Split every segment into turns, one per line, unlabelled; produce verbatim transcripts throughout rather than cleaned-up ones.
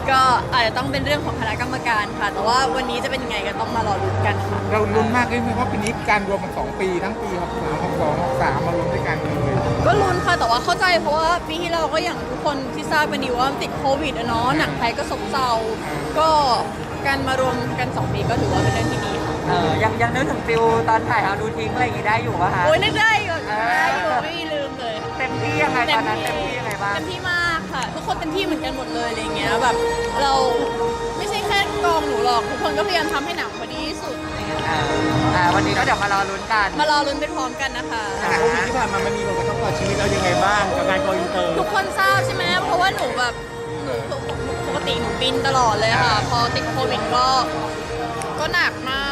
ก็อาจจะต้องเป็นเรื่องของคณะกรรมการค่ะ แต่ว่าวันนี้จะเป็นยังไงก็ต้องมารอลุ้นกันค่ะ
เราลุ้นมากเลยเพราะปีนี้การรวมมันสองปีทั้งปีหกสามหกสองหกสามมารวมด้วยกันเลย
ก็ลุ้นค่ะแต่ว่าเข้าใจเพราะว่าปีที่เราก็อย่างทุกคนที่ทราบกันดีว่ามันติดโควิดอะเนาะหนังไทยก็ซบเซาก็การมารวมกันสองปีก็ถือว่าเป็นเรื่องที่ดีค่ะ
เออยังยังนึกถึงฟิลตอนถ่ายเอาดูทิ้งอะไรอย่างงี้ได้อยู่ป่ะคะ
โอ้ยนึกได้อยู่ได้อยู่ไม่มีลืมเลย
เต็มที่ยังไงตอนนั้นเต็มที่ยังไงบ้าง
เต็มที่มากค่ะ ทุกคนเต็มที่เหมือนกันหมดเลยอะไรเงี้ยแบบเราไม่ใช่แค่กองหนูหรอกทุกคนก็พยายามทำให้หนังพอดีที่สุดอะไรเงี้ย
อ่าอ่าวันนี้ก็เดี๋ยวมารอลุ้นกัน
มารอลุ้นไปพร้อมกันนะคะ
โควิดที่ผ่านมามันมีผลกระทบต่อชีวิตเรายังไงบ้างกับการโกอินเตอร์
ทุกคนทราบใช่ไหมเพราะว่าหนูแบบหนูปกติหนูบินตลอดเลยค่ะ พอติดโควิดก็ก็หนักมาก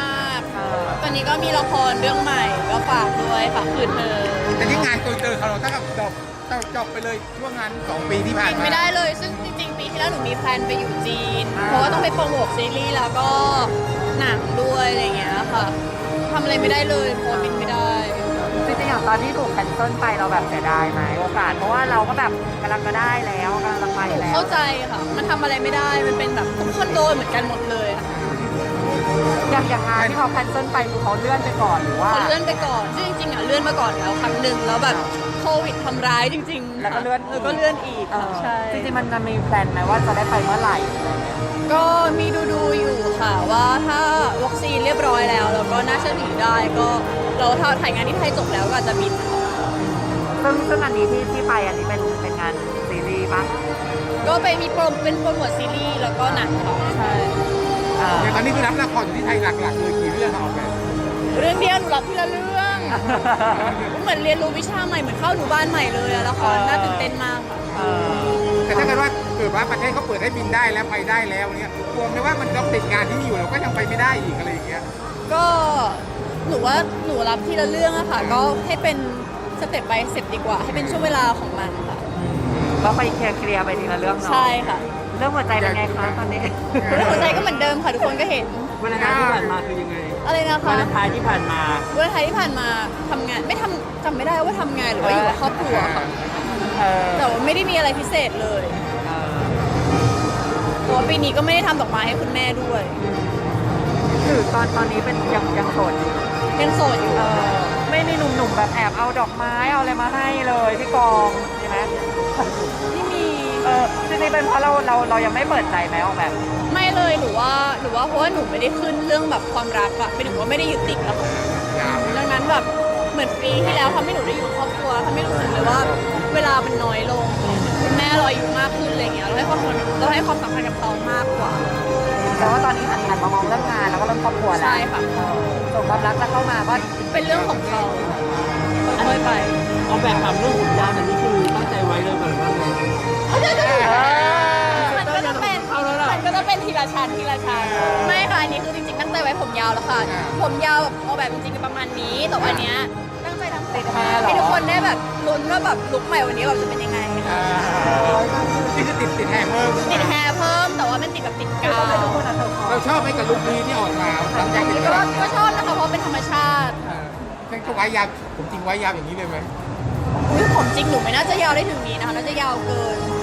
เออ
ตอนนี้ก็มีละครเรื่องใหม่ก็ฝากด้วยฝากคืนเธอ
แต่ที่งานโกอินเตอร์ของเราตั้งแต่จบจบไปเลยช่วงงานสองปีที่ผ่าน
บิน
มา
ไม่ได้เลย ซึ่งจริงๆปีที่แล้วหนูมีแพลนไปอยู่จีน เพราะว่าต้องไปโปรโมทซีรีส์แล้วก็หนังด้วยอะไรอย่างเงี้ยค่ะทำอะไรไม่ได้เลยเพราะว่าบินไม่ได้
จริงๆอย่างตอนที่ถูกแคนเซิลไปเราแบบเสียดายไหมโอกาสเพราะว่าเราก็แบบกำลังจะได้แล้วกำลังจะไป
หนู
แล้ว
เข้าใจค่ะ มันทำอะไรไม่ได้ มันเป็นแบบทุกคนโดนเหมือนกันหมดเลยค่ะ
อย่างอย่างงานที่เขาแคนเซิลไปคือเขาเลื่อนไปก่อนหรือว่า
เขาเลื่อนไปก่อนซึ่งจริงๆอ่ะเลื่อนมาก่อนแล้วครั้งหนึ่งแล้วแบบโควิดทำร้ายจริงๆ
แล้วก็เลื่อน
แล้วก็เลื่อนอีก
เอ
ค่ะ
อ
ใช่
จริงๆมันมันมีแพลนไหมว่าจะได้ไปเมื่อไหร่อะไรเงี้ย
ก็มีดูดูๆอยู่ค่ะว่าถ้าวัคซีนเรียบร้อยแล้วแล้วก็น่าเชื่อถือได้ก็เราถ้าถ่ายงานที่ไทยจบแล้วก็อาจจะบินค่ะ
ซึ่งซึ่งอันนี้ที่ที่ไปอันนี้เป็นเป็นงานซีรีส์ปะ
ก็ไปมีโปรเป็นโปรโมทซีรีส์แล้วก็หนังค่ะใช่
เออ
อย่างตอนนี้คือรับละครอยู่ที่ไทยหลักๆเลยกี่เรื่องออกแบบ
เรื่องเดียวหนูรับทีละเรื่องเหมือนเรียนรู้วิชาใหม่เหมือนเข้าหนูบ้านใหม่เลยอะละครน่าตื่นเต้นมากค่ะ
เออ
แต่ถ้าเกิดว่าเกิดว่าประเทศเขาเปิดให้บินได้แล้วไปได้แล้วเนี่ยกลัวไหมว่ามันต้องติดงานที่มีอยู่เราก็ยังไปไม่ได้อีกอะไรอย่างเงี้ย
ก็หนูว่าหนูรับทีละเรื่องอะค่ะ ก็ให้เป็นสเต็ปไปสเต็ปดีกว่า ให้เป็นช่วงเวลาของมันค่ะ
ก็ไปเคลียร์เคลียร์ไปทีละเรื่องเนาะ
ใช่ค่ะ
เรื่องหัวใจเป็นไงคะตอนนี้
เรื่องหัวใจก็เหมือนเดิมค่ะทุกคนก็เห็น
วันไทายที่ผ่านมาคือยังไง
อะไรนะคะ
วันไทายที่ผ่านมา
วันไทยที่ผ่านมาทำงานไม่ทำจำไม่ได้ว่าทำงานหรือว่าอยู่กับครอบครัวค่ะ
เออ
แต่ว่าไม่ได้มีอะไรพิเศษเลย
เออ
เพราะว่าปีนี้ก็ไม่ได้ทำดอกไม้ให้คุณแม่ด้วย
คือตอนตอนนี้เป็นยังยังโสดอยู่
ยังโสดอยู่
เออไม่มีหนุ่มๆแบบแอบเอาดอกไม้เอาอะไรมาให้เลยที่กองใช่ไหม
ไม่มี
เออจริงๆเป็นเพราะเราเราเรายังไม่เปิดใจไหมออกแบบ
ไม่เลยหรือว่าหรือว่าเพราะว่าหนูไม่ได้ขึ้นเรื่องแบบความรักอะไม่ถึงว่าไม่ได้ยึดติดแล้วค่ะ
ยาว
ดังนั้นแบบเหมือนปีที่แล้วทำให้หนูได้อยู่กับครอบครัวทำให้รู้สึกเลยว่าเวลามันน้อยลงคุณแม่เราอายุมากขึ้นอะไรเงี้ยเราให้ความสำคัญเราให้ความสำคัญกับเขามากกว่า
แต่ว่าตอนนี้หันหันมามองเรื่องงานแล้วก็เรื่องครอบครัวแล้ว
ใช่ค่ะ
เออส่วนความรักจะเข้ามาก็
เป็นเรื่องของเขาค่อยๆไป
เอาแบบถามเรื่องหุ่นยาวแต่นี่คือตั้งใจไว้เลยก่อนว่าไง
มันก็จะเป็นมันก็จะเป็นทีละชั้นทีละชั้นไม่ค่ะอันนี้คือจริงๆตั้งใจไว้ผมยาวแล้วค่ะ ผมยาวแบบเอาแบบจริงๆประมาณนี้แต่ว่าอันเนี้ยตั้งใจทำติดให้ทุกคนได้แบบลุ้นว่าแบบลุคใหม่วันนี้แบบจะเป็นยังไง
นี่คือติดติดแฮมเมอร์
ติดแฮร์เพิ่มแต่ว่าเป็นติดแบบติดกาว
เราชอบไหมกับลุคนี้ที่ออกมาหลังจากที่
ก็
เรา
ก็ชอบนะคะเพราะเป็นธรรมชาติ
เป็นก็ไว้ยาวผมจริงไว้ยาวอย่างนี้เลยไหม
อุ๊ยผมจริงหนูไม่น่าจะยาวได้ถึงนี้นะคะน่าจะยาวเกิน